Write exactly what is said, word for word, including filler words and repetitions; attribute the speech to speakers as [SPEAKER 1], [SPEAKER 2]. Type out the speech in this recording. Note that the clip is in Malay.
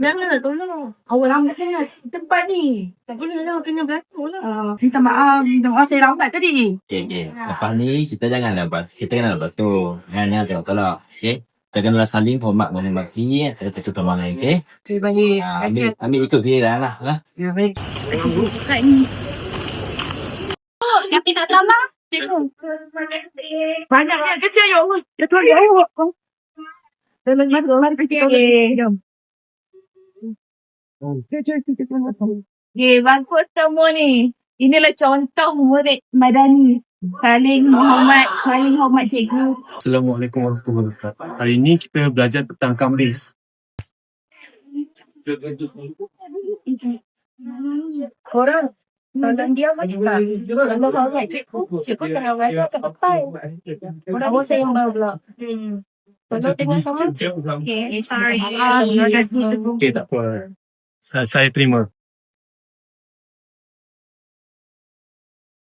[SPEAKER 1] janganlah tolong. Awal lambat sangat tempat ni. Tak bolehlah kena berlaku lah. Uh, minta maaf, minta maaf saya lambat tadi.
[SPEAKER 2] Okay, okay. Lepas ni, kita janganlah ber- kita janganlah bertu. Jangan tolak-tolak. Okay? Kita kenalah saling hormat menghormati. Kita cakap sama lain, okay?
[SPEAKER 1] Terima kasih.
[SPEAKER 2] Ha, ambil, ambil ikut giliran lah. lah.
[SPEAKER 1] Ya, baik.
[SPEAKER 3] Oh, siapa nak tambah?
[SPEAKER 1] Banyaknya kesian ya Allah. Ya Tuhan, ya Allah. Dalam mata orang kita. Jom.
[SPEAKER 3] Okay, bagus semua ni. Inilah contoh murid madani. Saling menghormat, saling hormat cikgu.
[SPEAKER 4] Assalamualaikum warahmatullahi wabarakatuh. Hari ini kita belajar tentang kamris.
[SPEAKER 3] Korang, tolong dia macam tak? Kalau hormat cikgu, cikgu kena belajar ke depan. Korang bosan yang baru pula. Hmm. Tolong tengok sama. Okay, sorry.
[SPEAKER 4] Okay, tak apa. Saya, saya terima.